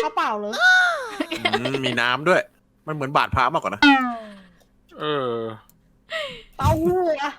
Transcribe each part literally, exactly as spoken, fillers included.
กระเป๋าเลยมีน้ำด้วยมันเหมือนบาดพระมากกว่านะเออเต้าหู้อะ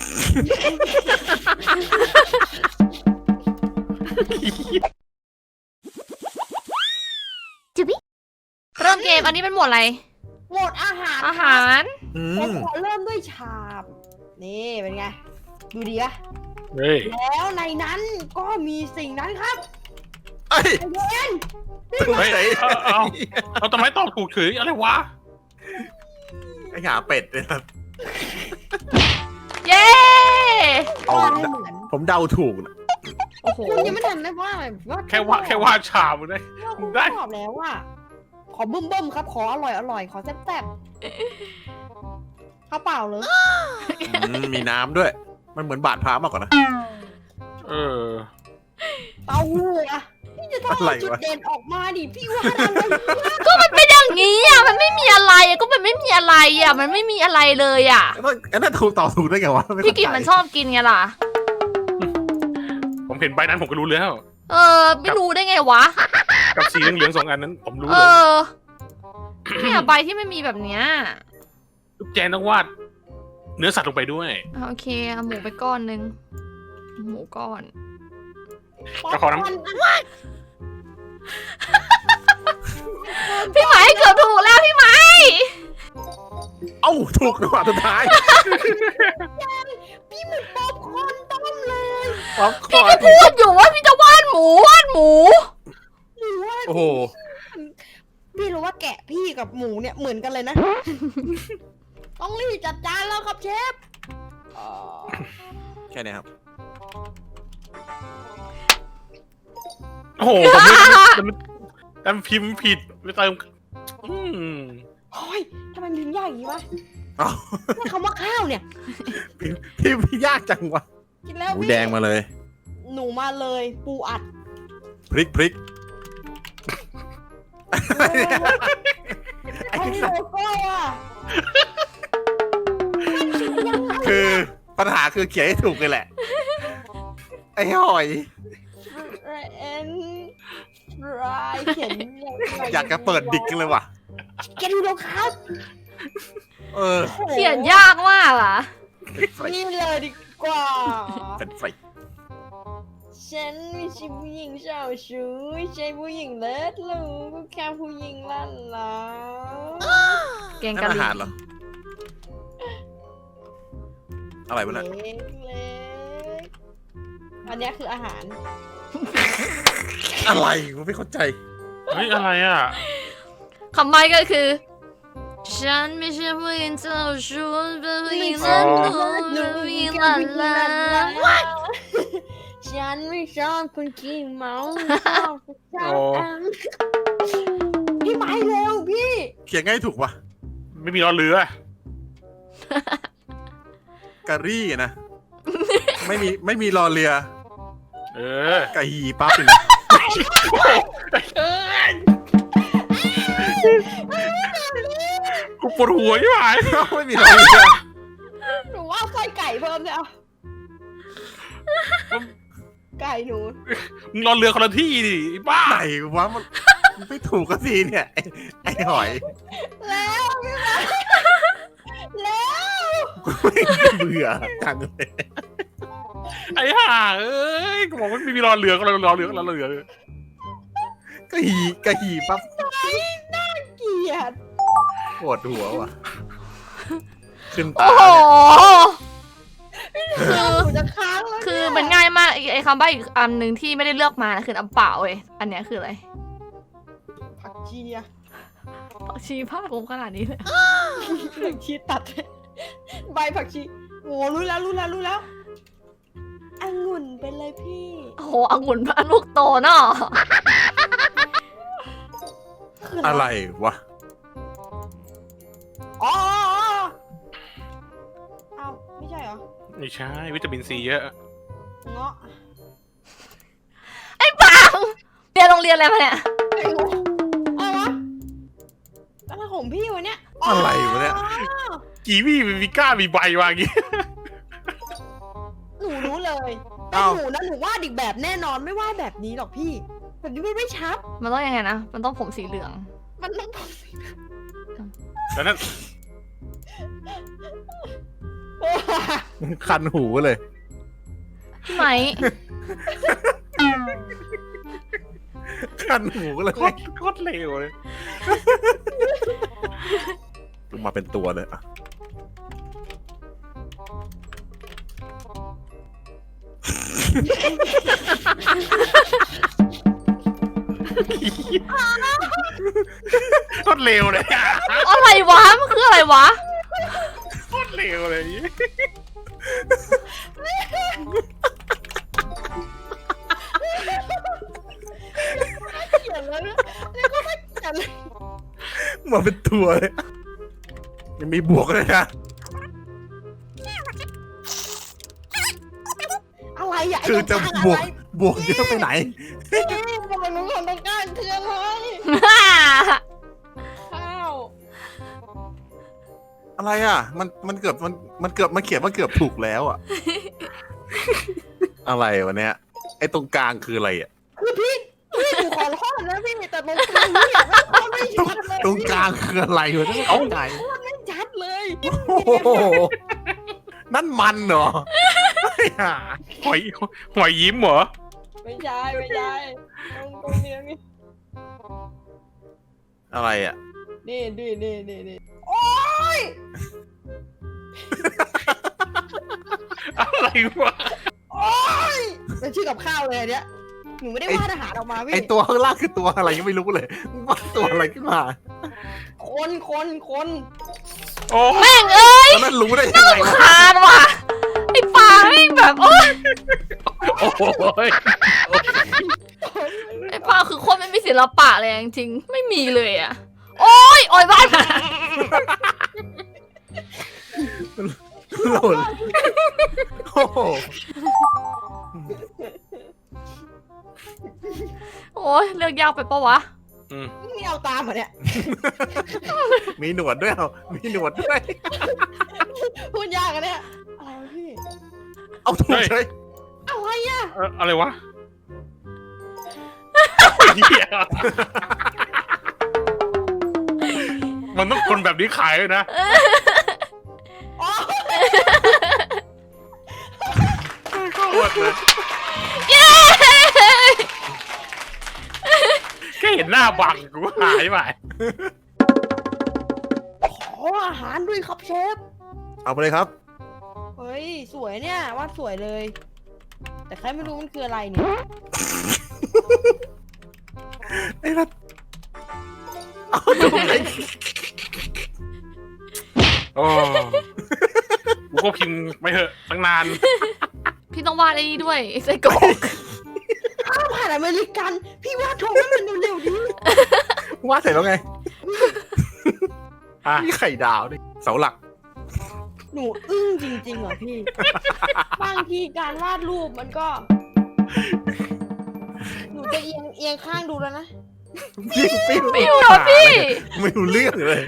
จุบิเริ่มเกมอันนี้เป็นหมวดอะไรหมดอาหารอาหารผมขอเริ่มด้วยชาม นี่เป็นไงดูดีอะเฮ้ยแล้วในนั้นก็มีสิ่งนั้นครับไอ้เย็นเฮ้ยเอาเอาเอาทำไมตอบถูกเฉยอะไรวะไอ้หาเป็ดเนี่ยครับเย้เอาผมเดาถูกนะโอ้โหคุณยังไม่ทันได้ว่าว่าแค่ว่าแค่ว่าชามึงได้คุณได้ตอบแล้วว่าขอบึ้มบึ้มครับขออร่อยอร่อยขอแซ่บแซ่บข้าวเปล่าเลยมีน้ำด้วยมันเหมือนบาดพระมากกว่านะเออเต้าหู้อะพี่จะต้องจุดเด่นออกมาดิพี่ว่าก็มันเป็นอย่างนี้อ่ะมันไม่มีอะไรก็มันไม่มีอะไรอ่ะมันไม่มีอะไรเลยอ่ะอันนั้นถูกต่อถูกได้ไงวะพี่กินมันชอบกินไงล่ะผมเห็นใบนั้นผมก็รู้แล้วเออไม่รู้ได้ไงวะกับสีเหลืองๆสองอันนั้นผมรู้เลยเออเนี่ยใบที่ไม่มีแบบเนี้ยแจนต้องวาดเนื้อสัตว์ลงไปด้วยโอเคเอาหมูไปก้อนนึงหมูก้อนก็ขอน้ำพี่ไหมเกือบถูกแล้วพี่ไหมเอ้าถูกจังหวะสุดท้ายพี่เหมือนป๊อปคอร์นต้มเลยพี่ก็พูดอยู่ว่าพี่จะวาดหมูวาดหมูโอ้โหพี่รู้ว่าแกะพี่กับหมูเนี่ยเหมือนกันเลยนะต้องรีบจัดจานแล้วครับเชฟแค่นี้ครับโอ้โหผมไม่แต่พิมพ์ผิดไปเติมอืมโอ้ยทำไมพิมพ์ยากอย่างนี้วะนี่คำว่าข้าวเนี่ยพิมพ์ยากจังวะกินแล้วหมูแดงมาเลยหนูมาเลยปูอัดพริกพริกไอ้โลโก้อะคือปัญหาคือเขียนให้ถูกเลยแหละไอ้หอยเอ็นรายเขียนอยากจะเปิดดิกเลยว่ะแกดูรองเท้าเออเขียนยากมากอ่ะนี่เลยดีกว่าเป็นไฟฉันไม่ใช่ผู้หญิงเจ้าชู้ไม่ใช่ผู้หญิงเลิศลูกแค่ผู้หญิงลั่นลาแกงกะหรี่เหรออะไรวะเนี่ยเล็กอันนี้คืออาหารอะไรกูไม่เข้าใจเฮ้ยอะไรอ่ะคำใบ้ก็คือฉันไม่ใช่ผู้หญิงเจ้าชู้เป็นผู้หญิงเลิศลูกผู้หญิงลั่นลาฉันไม่ชอบคนขี้เมาชอบชอบพี่ไม้เร็วพี่เขียนง่ายถูกปะไม่มีรอเรือกะรี่นะไม่มีไม่มีรอเรือเออกะฮีปั๊บเลยนะกูปวดหัวใช่ไหมไม่มีรอเรือหนูว่าไส้ไก่เพิ่มเลยอ่ะไก่หนูมึงรอเรือคนละที่ดิบ้าไหนวะมันไม่ถูกก็สิเนี่ยไอ้หอยแล้วพี่มาแล้วเบื่อจังเลยไอ้ห่าเอ้ยกูบอกว่าไม่มีรอเรือก็รอเรือก็รอเรือก็หีก็หีปั๊บน่าเกลียดปวดหัวว่ะขึ้นตาคือมันง่ายมากไอ้คำใบ้อีกอันหนึ่งที่ไม่ได้เลือกมาคือน้ำเปล่าเว้ยอันเนี้ยคืออะไรผักชีอะผักชีพาดผมขนาดนี้เลยผักชีตัดใบผักชีโอ้รู้แล้วรู้แล้วรู้แล้วองุ่นเป็นเลยพี่โอ้โหองุ่นพาลูกโตเนาะอะไรวะอ๋อเอาไม่ใช่เหรอไม่ใช่วิตามินซีเยอะเงาะไอ้ปังเรียนโรงเรียนอะไรมาเนี่ยอะไรวะอะไรของพี่วะเนี่ยอะไรวะเนี่ยกีวีมีก้ามีใบวางงี้หนูรู้เลยแต่หนูนะหนูวาดอีกแบบแน่นอนไม่วาดแบบนี้หรอกพี่แบบนี้มันไม่ชัดมันต้องยังไงนะ มันต้องผมสีเหลืองมันต้องแล้วนั่นคันหูเลยพี่ไหมคันหูเลยโคตรโคตรเลวเลยมาเป็นตัวเลยอะโคตรเลวเลยอะไรวะ มันคืออะไรวะโคตรเลวเลยเขียนแล้วนะนี่ก็ไม่เขียนเลยมาเป็นตัวเลยยังมีบวกเลยนะอะไรอ่ะไอ้คือตรจะงกลางบวอะกไรบวกเยอะไปไหนนี่บอกหนูของตรงกลางคืออะไรข้าวอะไรอ่ะ มันมันเกือบมันมันเกือบมันเขียนมันเกือบถูกแล้วอ่ะ อะไรวะเนี้ยไอ้ตรงกลางคืออะไรอ่ะคือพี่พี่หนูขอโทษนะพี่แต่ตรงกลางนี่อ่ะไม่โคตรไม่ชัดเลยตรงกลางคืออะไรวะเนี่ยเอาไหนไม่ชัดเลยโอ้โหนั่นมันเหรอไม่หาหอยหอยยิ้มเหรอไม่ใช่ไม่ใช่ตรงตรงนี้นี่อะไรอ่ะนี่นี่นี่นี่นี่โอ๊ยอะไรวะโอ๊ยเป็นชื่อกับข้าวเลยอันเนี้ยหนูไม่ได้วาดอาหารออกมาพี่ไอตัวข้างล่างคือตัวอะไรยังไม่รู้เลยว่าตัวอะไรขึ้นมาคนคนคนโอ้แม่งเอ้ยแล้วนั่นรู้ได้ยังไงวะคานว่ะ ไอ้ปลาแม่งแบบโอ๊ยโอ้ยไอ้ปลาคือโคตรไม่มีศิลปะเลยจริงๆ ไม่มีเลยอ่ะ โอ๊ย โอ๊ยบ้านมาหล่นโอ้โหโอ๊ย เลือกยากไปปะวะอืมนี่เอาตามเหรอเนี่ยมีหนวดด้วยเหรอมีหนวดด้วยพูดยากกันเนี่ยอะไรวะพี่เอาถูกใช่อะไรอ่ะเอ่ออะไรวะเหี้ยมันต้องคนแบบนี้ขายเลยนะอ๋อโคตรเลยเย้แค่เห็นหน้าบังกูหายไปขออาหารด้วยครับเชฟเอาไปเลยครับเฮ้ยสวยเนี่ยวาดสวยเลย แต่ใครไม่รู้มันคืออะไรเนี่ยไอ้รัดเอาถูกเลยโอ้กูก็พิมพ์ไปเถอะตั้งนานพี่ต้องวาดไอ้นี่ด้วยไอ้ไส้กรอกข้าวผัดอเมริกัน พี่วาดโทงให้มันเร็วๆดิวาดเสร็จแล้วไงอ่ะนี่ไข่ดาวนี่เสาหลักหนูอึ้งจริงๆเหรอพี่ บางทีการวาดรูปมันก็ หนูจะเอียงเอียงข้างดูแล้วนะยิ่งปิ้วไม่อยู่หรอพี่ไม่รู้เรื่องเลย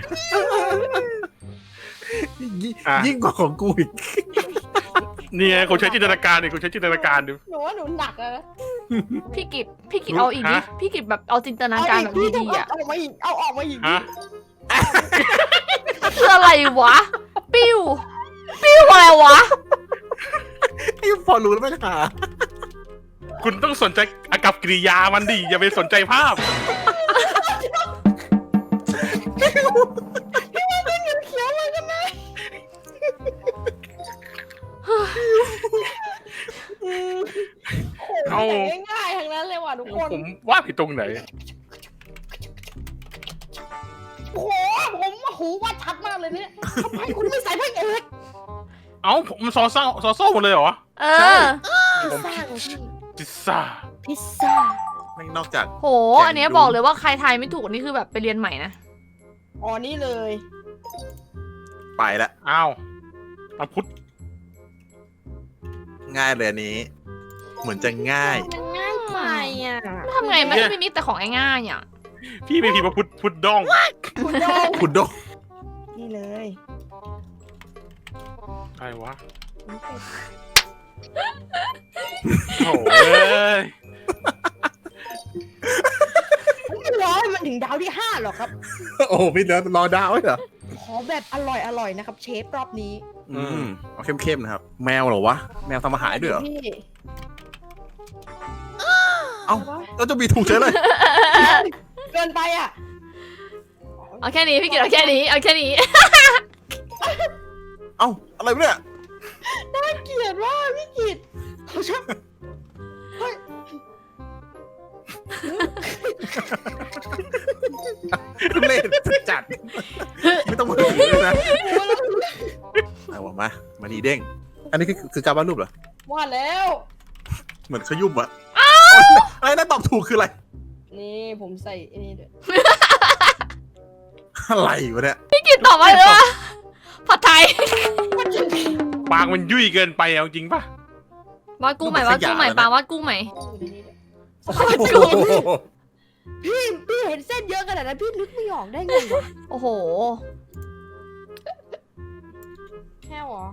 ยิ่งยิ่งกว่าของกูอีกนี่ไงกูใช้จินตนาการดิกูใช้จินตนาการดูหนูว่าหนูหนักอะนะพี่กิจพี่กิจเอาอีกดิฮะพี่กิจแบบเอาจินตนาการแบบพี่ดีๆอ่ะเอาออกมาอีก เอาออกมาอีกฮะคืออะไรวะ ปิ้ว ปิ้วอะไรวะไอ้พอรู้แล้วไม่หาคุณต้องสนใจอากับกิริยามันดิอย่าไปสนใจภาพเขียวเลยกันนะโอ้โหแต่ง่ายๆทั้งนั้นเลยว่ะทุกคนผมว่าผิดตรงไหนโอ้โหผมว่าหูว่าชัดมากเลยเนี่ยทำไมคุณไม่ใส่พระเอกเอ้าผมมันซอเศร้าซอโซ่หมดเลยเหรอเออพิซซ่าของพี่พิซซ่าพิซซ่าไม่นอกจากโห อันเนี้ยบอกเลยว่าใครทายไม่ถูกนี่คือแบบไปเรียนใหม่นะอ๋อนี่เลยไปละอ้าวมาพุทธง่ายเลยอันนี้ เหมือนจะง่ายมันง่ายไปอ่ะทำไงไม่ไม่มีแต่ของง่ายๆอ่ะพี่ไม่พิมพ์มาพุทธพุทธดองคุณโดงคุณโดงนี่เลยอะไรวะโอ้ยถึงดาวที่ห้าหรอกครับโอ้โหพี่เนื้อรอดาวไว้เหรอขอแบบอร่อยอร่อยๆนะครับ เชฟรอบนี้อืมเอาเข้มๆนะครับ แมวเหรอวะ แมวทำอาหารด้วยเหรอพี่เอ้าแล้วจะมีถูกเฉยเลยเกินไปอ่ะเอาแค่นี้พี่กิตเอาแค่นี้เอาแค่นี้เอ้าอะไรวะเนี่ยน่าเกลียดว่าพี่กิตเขาชอบเฮ้ยเล่นจัด ไม่ต้องมาถึงเลยนะโอ้แล้วเอาวะมา มาดีเด้ง อันนี้คือคือการวาดรูปเหรอว่าแล้วเหมือนขยุ่มอะอะไรนะตอบถูกคืออะไรนี่ผมใส่ไอ้นี่ด้วยอะไรวะเนี่ยพี่กิตตอบว่าเลยว่าผัดไทยปากมันยุ่ยเกินไปเอาจริงปะวาดกุ้งใหม่วาดกุ้งใหม่ปลาวาดกุ้งใหม่อยู่ในนี้ด้วยโอ้โหพี่พี่เห็นเส้นเยอะขนาดนั้นพี่นึกไม่ออกได้ไงวะโอ้โหแค่หรอ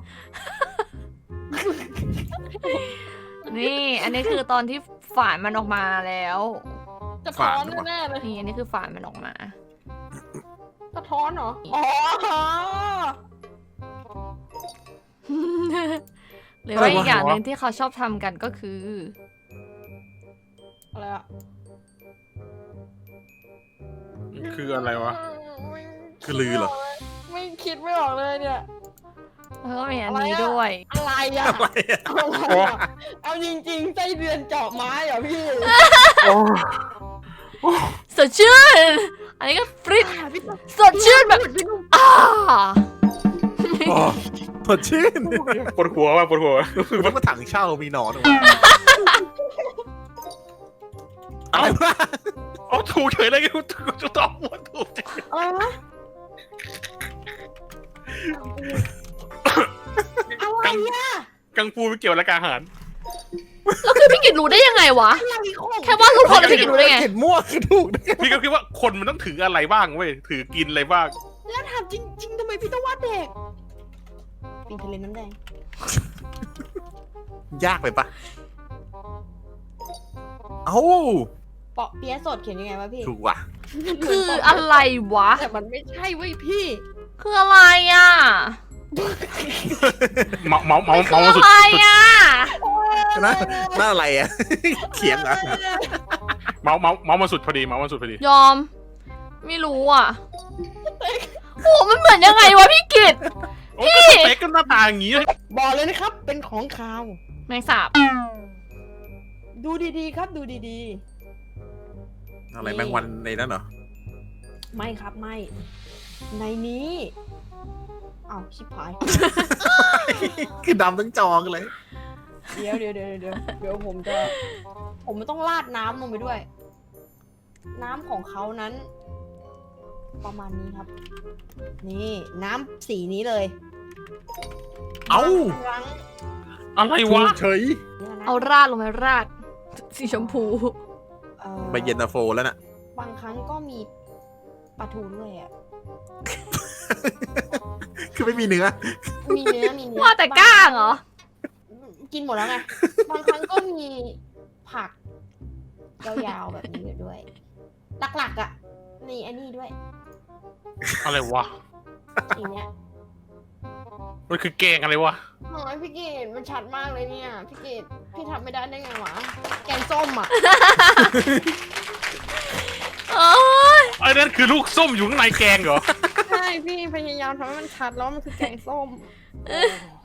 นี่ อันนี้คือตอนที่ฝานมันออกมาแล้วกระท้อนแน่ๆเลยนี่อันนี้คือฝานมันออกมากระท้อนเหรอ อ๋อหรือว่าอีกอย่างหนึ่งที่เขาชอบทำกันก็คืออะไรอะคืออะไรวะคือลือเหรอไม่คิดไม่ออกเลยเนี่ยแล้วก็มีอันนี้ด้วยอะไรอะอะไรอะอะไรอะเอาจริงๆไส้เดือนเจาะไม้เหรอพี่สดชื่น อันนี้ก็ฟริตอ่ะพี่ต้องสดชื่นแบบพี่ต้องอ่าโอ้สดชื่นปวดหัวว่ะปวดหัวคือว่าถังเช่ามีหนอนอะไรวะอ๋อถูกเฉยเลยกูจะตอบว่าถูกเฉยอะไรวะอะไรอะกังฟูไม่เกี่ยวกับการอาหารแล้วคือพี่กิตรู้ได้ยังไงวะอะไรของแค่ว่าทุกคนแล้วพี่กิตรู้ได้ไงเห็นมั่วคือถูกได้ไงพี่ก็คิดว่าคนมันต้องถืออะไรบ้างเว้ยถือกินอะไรบ้างแล้วถามจริงๆทำไมพี่ต้องวาดเด็กปีทะเลน้ำแดงยากไปปะเอ้าเปาะเปี๊ยะสดเขียนยังไงวะพี่ถูกว่ะคืออะไรวะแต่มันไม่ใช่เว้ยพี่คืออะไรอ่ะเมาเมาเมาคืเมาอสุอะดไรอ่ะนะน่าอะไรอะ เขียงเหรอเมาเมาเมามาสุดพอดีเมามาสุดพอดียอม ไม่รู้อ่ะ โอ้มันเหมือนยังไงวะพี่กิตโอ้ก็สเต็กก็หน้าตาอย่างงี้บอกเลยนะครับ เป็นของขาวแมงสาบดูดีๆครับ ดูดีอะไรแมงวันในนั้นเหรอๆ ไม่ครับไม่ ในนี้อ้าวชิบหายคือดำทั้งจอกันเลยเดี๋ยวเดี๋ยวเดี๋ยวเดี๋ยวเดี๋ยวผมจะ ผมมันต้องราดน้ำลงไปด้วย น้ำของเขานั้น ประมาณนี้ครับ นี่น้ำสีนี้เลยเอ้าครั้งอะไรถูวะกเฉยเนี่ยนะเอาราดลงไปราด สีชมพูเอ่อไปเย็นตาโฟแล้วน่ะบางครั้งก็มีปลาทูด้วยอ่ะคือไม่มีเนื้อมีเนื้อมีเนื้อว่าแต่ก้างเหรอกินหมดแล้วไง บางครั้งก็มีผักยาวๆแบบนี้อยู่ด้วย หลักๆอ่ะ นี่อันนี้ด้วยอะไรวะทีเนี้ยมันคือแกงอะไรวะโอ้ยพี่กีดมันชัดมากเลยเนี่ย พี่กีดพี่ทำไม่ได้ได้ไงวะ แกงส้มอ่ะโอ้ยไอ้นั่นคือลูกส้มอยู่ข้างในแกงเหรอใช่พี่พยายามทำให้มันชัดแล้วมันคือแกงส้ม